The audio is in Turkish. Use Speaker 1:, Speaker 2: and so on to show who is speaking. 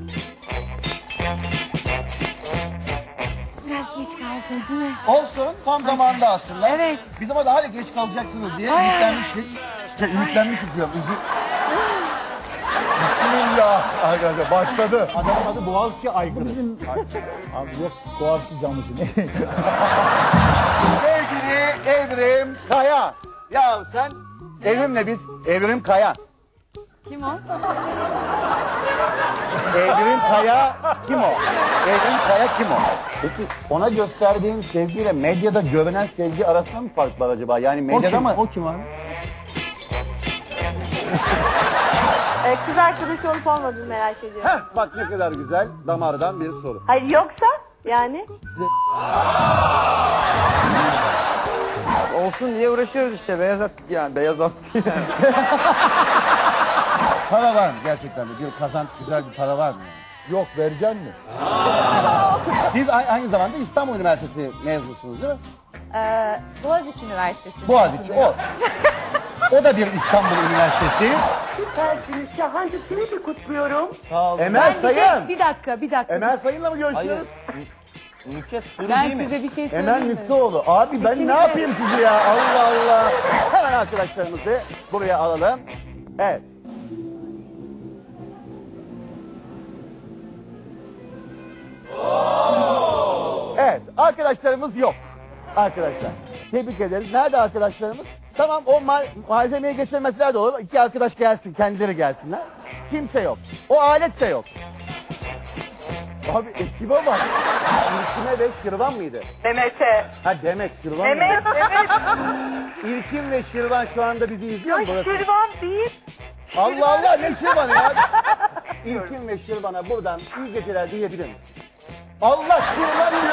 Speaker 1: Biraz geç kaldın değil mi?
Speaker 2: Olsun, tam zamanında aslında.
Speaker 1: Evet.
Speaker 2: Biz ama daha da geç kalacaksınız diye ümitlenmiştik. İşte ümitlenmiştik diyorum.
Speaker 3: Bismillah arkadaşlar başladı.
Speaker 2: Adamın adı Boğaziçi Aygırı.
Speaker 3: Abi yok Boğaziçi camışı ne?
Speaker 2: Sevgili Evrim Kaya. Ya sen Evrim'le biz, Evrim Kaya.
Speaker 1: Kim o?
Speaker 2: Evrim Kaya kim o? Evrim Kaya kim o? Peki ona gösterdiğin sevgiyle medyada görünen sevgi arasında mı fark var acaba? Yani medyada mı?
Speaker 3: O kim abi?
Speaker 4: Kız arkadaş olup olmadığını merak ediyorum.
Speaker 2: Heh, bak ne kadar güzel damardan bir soru.
Speaker 4: Hayır yoksa yani?
Speaker 3: Olsun diye uğraşıyoruz işte beyaz at yani beyaz at.
Speaker 2: Para var mı gerçekten de? Bir kazanç, güzel bir para var mı?
Speaker 3: Yok vereceksin mi?
Speaker 2: Siz aynı zamanda İstanbul Üniversitesi mezunusunuz değil mi?
Speaker 1: Boğaziçi Üniversitesi.
Speaker 2: Boğaziçi o. O da bir İstanbul Üniversitesi.
Speaker 4: Süpersiniz. Şahancısını da kutluyorum.
Speaker 3: Sağ ol.
Speaker 2: Emel Sayın.
Speaker 1: Bir dakika.
Speaker 2: Emel Sayın'la mı görüşüyoruz?
Speaker 3: Nükhet sürü
Speaker 1: Ben
Speaker 3: değil mi?
Speaker 1: size bir şey
Speaker 2: Emel
Speaker 1: söyleyeyim mi?
Speaker 2: Müftüoğlu. Abi ben ne yapayım sizi ya? Allah Allah. Hemen arkadaşlarımızı buraya alalım. Evet. Evet. Arkadaşlarımız yok. Arkadaşlar. Tebrik ederiz. Nerede arkadaşlarımız? Tamam o malzemeyi getirmeseler de olur. İki arkadaş gelsin. Kendileri gelsinler. Kimse yok. O alet de yok. Abi ekibe bak. İlkime ve Şirvan mıydı?
Speaker 4: Demet'e.
Speaker 2: Ha Demet, Şirvan mıydı?
Speaker 4: Evet.
Speaker 2: İlkim ve Şirvan şu anda bizi izliyor mu burası?
Speaker 4: Şirvan değil.
Speaker 2: Allah Allah ne Şirvan'ı ya? İlkim ve Şirvan'a buradan iyi geceler diyebilir misin? Allah Şirvan